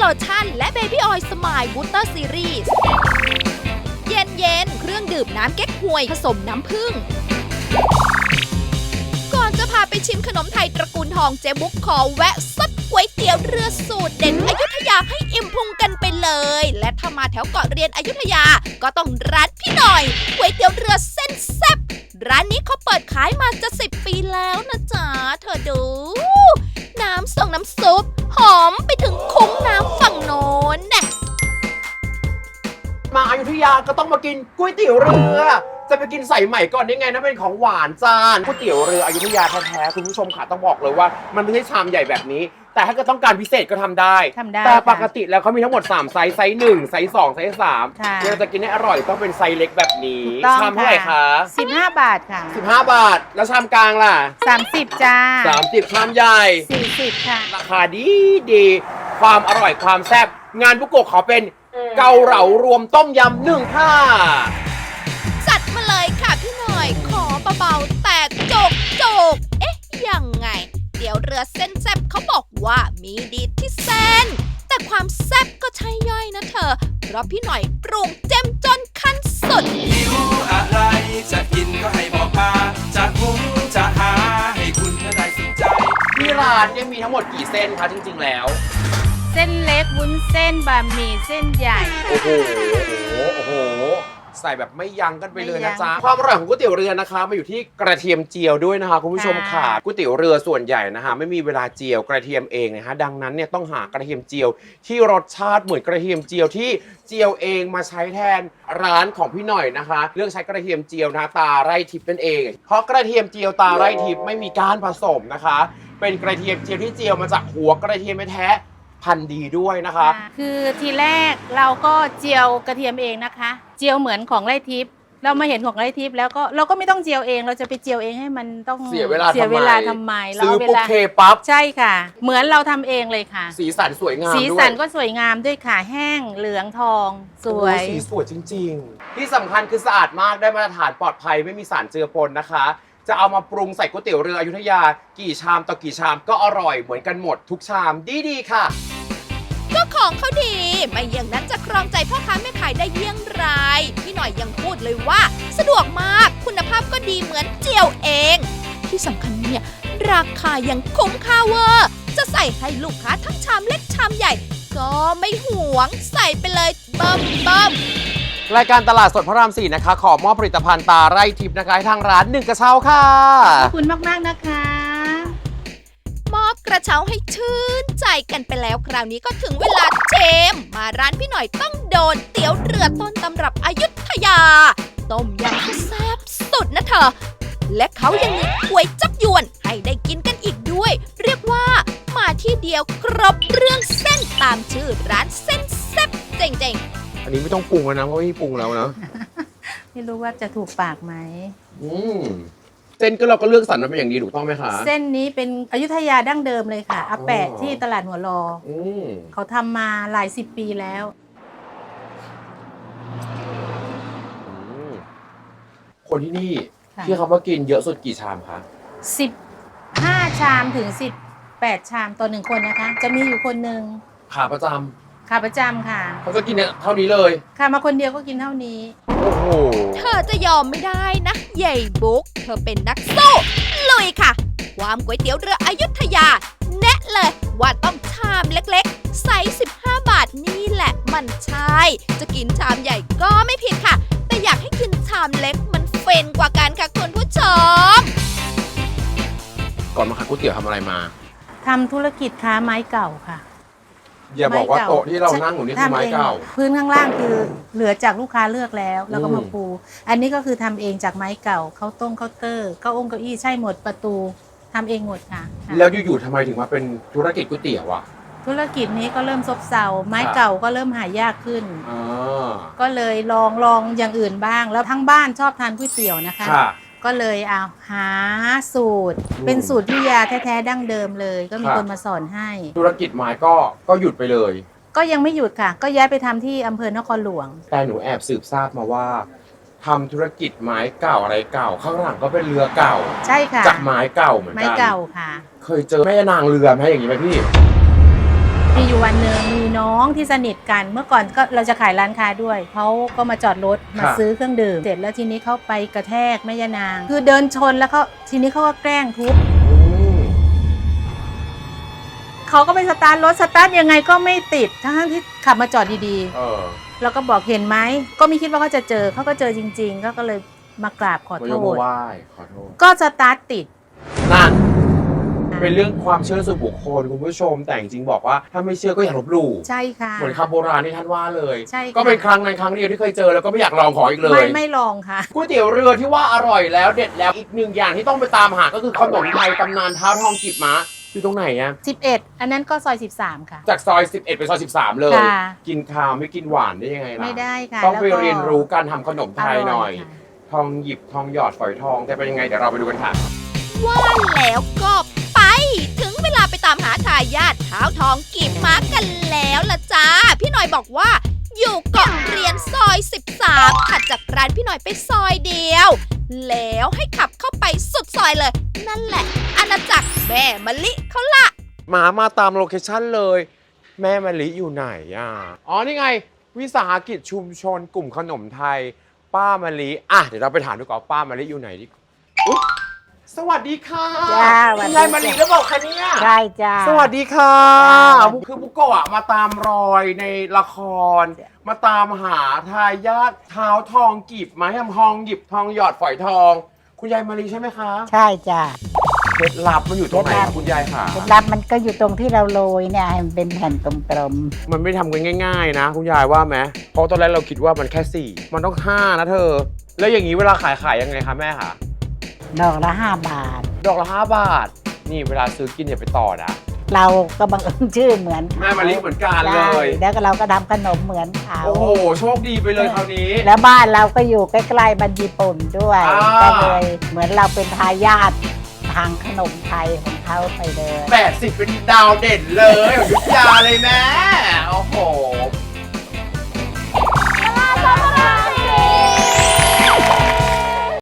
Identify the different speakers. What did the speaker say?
Speaker 1: โลชั่นและเบบี้ออยล์สมายบูสเตอร์ซีรีส์เย็นเครื่องดื่มน้ำเก๊กฮวยผสมน้ำผึ้งก่อนจะพาไปชิมขนมไทยตระกูลทองเจ๊บุ๊กขอแวะซัดก๋วยเตี๋ยวเรือสูตรเด็ดอยุธยาให้อิ่มพุงกันไปเลยและถ้ามาแถวเกาะเรียนอยุธยาก็ต้องร้านพี่หน่อยก๋วยเตี๋ยวเรือเส้นแซ่บร้านนี้เขาเปิดขายมาจะ10 ปีแล้วนะจ๊ะเธอดูน้ำส่งน้ำซุปหอมไปถึงคุ้งน้ำฝั่งโน้นน่ะ
Speaker 2: มาอยุธยาก็ต้องมากินก๋วยเตี๋ยวเรือจะไปกินใส่ใหม่ก่อนได้ไงนะเป็นของหวานจานก๋วยเตี๋ยวเรืออยุธยาแท้ๆคุณผู้ชมค่ะต้องบอกเลยว่ามันไม่ใช่ชามใหญ่แบบนี้แต่ถ้าเกิดต้องการพิเศษก็ทำได้แต่ปกติแล้วเขามีทั้งหมด3ไซส์ไซส์1ไซส์2ไซส์3เราจะกินให้อร่อยต้องเป็นไซส์เล็กแบบนี้ชามเท่าไหร่คะ
Speaker 3: 15 บาทค่ะ
Speaker 2: 15 บาทแล้วชามกลางล่ะ
Speaker 3: 30จ้า
Speaker 2: 30ชามใหญ่
Speaker 3: 40ค่ะ
Speaker 2: ราคาดีความอร่อยความแซ่บงานบุโกะขอเป็นเกาเหลารวมต้มยำ1ค่ะ
Speaker 1: จัดมาเลยค่ะพี่หน่อยขอเบาๆแต่โจกเอ๊ะยังไงเดี๋ยวเรือเส้นแซ่บเขาบอกว่ามีดีที่เส้นแต่ความแซ่บก็ใช่ย่อยนะเธอเพราะพี่หน่อยปรุงเจ้มจนขั้นสุด
Speaker 4: หิวอะไรจะกินก็ให้บอกมาจะหุงจะหาให้คุณได้สนใจ
Speaker 2: ที่ร้านเนี่ยมีทั้งหมดกี่เส้นคะจริงๆแล้ว
Speaker 3: เส้นเล็กวุ้นเส้นบะหมี่เส้นใหญ่
Speaker 2: โอ้โหใส่แบบไม่ยั้งกันไปเลยนะจ๊ะความอร่อยของก๋วยเตี๋ยวเรือนะคะมาอยู่ที่กระเทียมเจียวด้วยนะคะคุณผู้ชมค่ะก๋วยเตี๋ยวเรือส่วนใหญ่นะคะไม่มีเวลาเจียวกระเทียมเองนะคะดังนั้นเนี่ยต้องหากระเทียมเจียวที่รสชาติเหมือนกระเทียมเจียวที่เจียวเองมาใช้แทนร้านของพี่หน่อยนะคะเลือกใช้กระเทียมเจียวนะตาไร่ทิพย์นั่นเองเพราะกระเทียมเจียวตาไร่ทิพย์ไม่มีการผสมนะคะเป็นกระเทียมเจียวที่เจียวมาจากหัวกระเทียมแท้พันธุ์ดีด้วยนะคะ
Speaker 3: คือทีแรกเราก็เจียวกระเทียมเองนะคะเจียวเหมือนของไร่ทิพย์เรามาเห็นของไร่ทิพย์แล้วก็เราก็ไม่ต้องเจียวเองเราจะไปเจียวเองให้มันต้อง
Speaker 2: เสียเวลา
Speaker 3: ทำไม
Speaker 2: ซื้อปุ๊บเคปั๊บ
Speaker 3: ใช่ค่ะเหมือนเราทำเองเลยค่ะ
Speaker 2: สีสันสวยงามด้วย
Speaker 3: สีสันก็สวยงามด้วยค่ะแห้งเหลืองทองสวย
Speaker 2: สีสวยจริงๆที่สำคัญคือสะอาดมากได้มาตรฐานปลอดภัยไม่มีสารเจือปนนะคะจะเอามาปรุงใส่ก๋วยเตี๋ยวเรืออยุธยากี่ชามต่อกี่ชามก็อร่อยเหมือนกันหมดทุกชามดีค่ะ
Speaker 1: ก็ของเขาดีไม่อย่างนั้นจะครองใจพ่อค้าแม่ขายได้เยี่ยงไรพี่หน่อยยังพูดเลยว่าสะดวกมากคุณภาพก็ดีเหมือนเจียวเองที่สำคัญเนี่ยราคายังคุ้มค่าเวอร์จะใส่ให้ลูกค้าทั้งชามเล็กชามใหญ่ก็ไม่หวงใส่ไปเลยเบิ่ม
Speaker 2: รายการตลาดสดพระราม4นะคะขอมอบผลิตภัณฑ์ตาไร่ทิพย์นะคะให้ทางร้าน1กระเช้าค่ะ
Speaker 3: ขอบคุณมากๆนะคะ
Speaker 1: มอบกระเช้าให้ชื่นใจกันไปแล้วคราวนี้ก็ถึงเวลาเชมมาร้านพี่หน่อยต้องโดนเตี๋ยวเรือต้นตำรับอยุธยาต้มยำที่แซ่บสุดนะเธอและเขายังมีก๋วยจั๊บยวนให้ได้กินกันอีกด้วยเรียกว่ามาที่เดียวครบเรื่องเส้นตามชื่อร้านเส้นแซ่บเจ๋ง
Speaker 2: ๆอันนี้ไม่ต้องปรุงแล้วนะเพราะไม่ปรุงแล้วนะ
Speaker 3: ไม่รู้ว่าจะถูกปากไหม
Speaker 2: เส้นก็เราก็เลือกสรรมาเป็นอย่างดีถูกต้องไหมคะ
Speaker 3: เส้นนี้เป็นอยุธยาดั้งเดิมเลยค่ะอาแปะที่ตลาดหัวรอเขาทำมาหลาย10 ปีแล้ว
Speaker 2: คนที่นี่ที่เขามากินเยอะสุดกี่ชามคะ
Speaker 3: 15 ชามถึง18 ชามต่อ1คนนะคะจะมีอยู่คนหนึ่ง
Speaker 2: ขาประจำ
Speaker 3: ค่ะ
Speaker 2: เขาจะกินเท่านี้เลย
Speaker 3: ค่ะมาคนเดียวก็กินเท่านี้
Speaker 2: โอ้โห
Speaker 1: เธอจะยอมไม่ได้นะใหญ่บุ๊กเธอเป็นนักสู้ลุยค่ะความก๋วยเตี๋ยวเรืออยุธยาแนะเลยว่าต้องชามเล็กๆไซส์15 บาทนี่แหละมันใช่จะกินชามใหญ่ก็ไม่ผิดค่ะแต่อยากให้กินชามเล็กมันเฟนกว่ากันค่ะคุณผู้ชม
Speaker 2: ก่อนมาขายก๋วยเตี๋ยวทำอะไรมา
Speaker 3: ทำธุรกิจค้าไม้เก่าค่ะ
Speaker 2: อย่าบอกว่าโต๊ะที่เรานั่งอยู่นี่คือไม้เก่า
Speaker 3: พื้นข้างล่างคือเหลือจากลูกค้าเลือกแล้วก็มาปูอันนี้ก็คือทำเองจากไม้เก่าเคาน์เตอร์เก้าองค์เก้าอี้ใช่หมดประตูทำเองหมดค่ะ
Speaker 2: แล้วอยู่ๆทำไมถึงมาเป็นธุรกิจก๋วยเตี๋ยวอ่ะ
Speaker 3: ธุรกิจนี้ก็เริ่มซบเซาไม้เก่าก็เริ่มหายากขึ้นก็เลยลองอย่างอื่นบ้างแล้วทั้งบ้านชอบทานก๋วยเตี๋ยวนะคะก็เลยเอาหาสูตรเป็นสูตรพิยาแท้ๆดั้งเดิมเลยก็มีคนมาสอนให้
Speaker 2: ธุรกิจไม้ก็หยุดไปเลย
Speaker 3: ก็ยังไม่หยุดค่ะก็ย้ายไปทำที่อำเภอนครหลวง
Speaker 2: แต่หนูแอบสืบทราบมาว่าทำธุรกิจไม้เก่าอะไรเก่าข้างหลังก็เป็นเรือเก่า
Speaker 3: ใช่ค่ะ
Speaker 2: จากไม้เก่าเหมือนกัน
Speaker 3: ไม้เก่าค่ะ
Speaker 2: เคยเจอแม่นางเรือไหมอย่างนี้ไหมพี่
Speaker 3: มีอยู่วันหนึ่งมีน้องที่สนิทกันเมื่อก่อนก็เราจะขายร้านค้าด้วยเขาก็มาจอดรถมาซื้อเครื่องดื่มเสร็จแล้วทีนี้เขาไปกระแทกแม่ยานางคือเดินชนแล้วเขาทีนี้เขาก็แกล้งทุบเขาก็ไปสตาร์ทรถสตาร์ทยังไงก็ไม่ติดทั้งที่ขับมาจอดดีๆแล้วก็บอกเห็นไหมก็ไม่คิดว่าเขาจะเจอเขาก็เจอจริงๆก็เลยมากราบขอโทษก็สตาร์ทติด
Speaker 2: นั่นเป็นเรื่องความเชื่อส่วนบุคคลคุณผู้ชมแต่จริงๆบอกว่าถ้าไม่เชื่อก็อย่าลบหลู่
Speaker 3: ใช่ค่ะ
Speaker 2: เหมือนคำโบราณที่ท่านว่าเลย
Speaker 3: ใช่
Speaker 2: ก็เป็นครั้งนั้นครั้งเดียวที่เคยเจอแล้วก็ไม่อยากลองขออีกเลย
Speaker 3: ไม่ลองค่ะ
Speaker 2: ก๋วยเตี๋ยวเรือที่ว่าอร่อยแล้วเด็ดแล้วอีกหนึ่งอย่างที่ต้องไปตามหาก็คือขนมไทยตำนานเท้าทองกีบม้าอยู่ตรงไหนอะ
Speaker 3: 11อันนั้นก็ซอย13ค่ะ
Speaker 2: จากซอย11ไปซอย13เลยกินข้าวไม่กินหวานได้ยังไงล่ะ
Speaker 3: ไม่ได้ค่ะ
Speaker 2: ต้องไปเรียนรู้การทำขนมไทยหน่อยทองหยิบทองหยอดฝอยทองจะเป็นยังไงเดี๋ยวเราไปดูกันค่ะ
Speaker 1: ว่าแล้วก็ไปถึงเวลาไปตามหาทายาทเท้าทองกีบม้ากันแล้วล่ะจ้าพี่หน่อยบอกว่าอยู่เกาะเรียนซอย13ถัดจากร้านพี่หน่อยไปซอยเดียวแล้วให้ขับเข้าไปสุดซอยเลยนั่นแหละอาณาจักรแม่มะลิเขาละ
Speaker 2: มาตามโลเคชั่นเลยแม่มะลิอยู่ไหนอ่ะอ๋อนี่ไงวิสาหกิจชุมชนกลุ่มขนมไทยป้ามะลิอ่ะเดี๋ยวเราไปถามดูก่อนป้ามะลิอยู่ไหนดิสวัสดีค่ะคุณยายมะลิหรือเปล่าคะเนี่ย
Speaker 3: ใช่จ้า
Speaker 2: สวัสดีค่ะคือบุโกะมาตามรอยในละครมาตามหาทายาทเท้าทองกีบไม้ทองหยิบทองหยอดฝอยทองคุณยายมะลิใช่ไหมคะ
Speaker 5: ใช่จ้า
Speaker 2: เคล็ดลับมันอยู่ตรงไหนคุณยายค่ะ
Speaker 5: เคล็ดลับมันก็อยู่ตรงที่เราโรยเนี่ยให้มันเป็นแผ่นกลม
Speaker 2: ๆมันไม่ทำกันง่ายๆนะคุณยายว่าไหมเพราะตอนแรกเราคิดว่ามันแค่4มันต้อง5นะเธอแล้วอย่างนี้เวลาขายยังไงคะแม่คะ
Speaker 5: ดอกละ5 บาท
Speaker 2: ดอกละ5 บาทนี่เวลาซื้อกินอย่าไปต่อนะ
Speaker 5: เราก็บังเอิญชื่อเหมือน
Speaker 2: แม่มะลิเหมือนกันเลย
Speaker 5: แล้วก็เราก็ทำขนมเหมือนเขา
Speaker 2: โอ้โหโชคดีไปเลยคราวนี้
Speaker 5: แล้วบ้านเราก็อยู่ใกล้ๆบ้านญี่ปุ่นด้วยก็เลยเหมือนเราเป็นทายาททางขนมไทยของเขาไปเลย
Speaker 2: 80เป็นดาวเด่นเลยของยุทธยาเลยแม่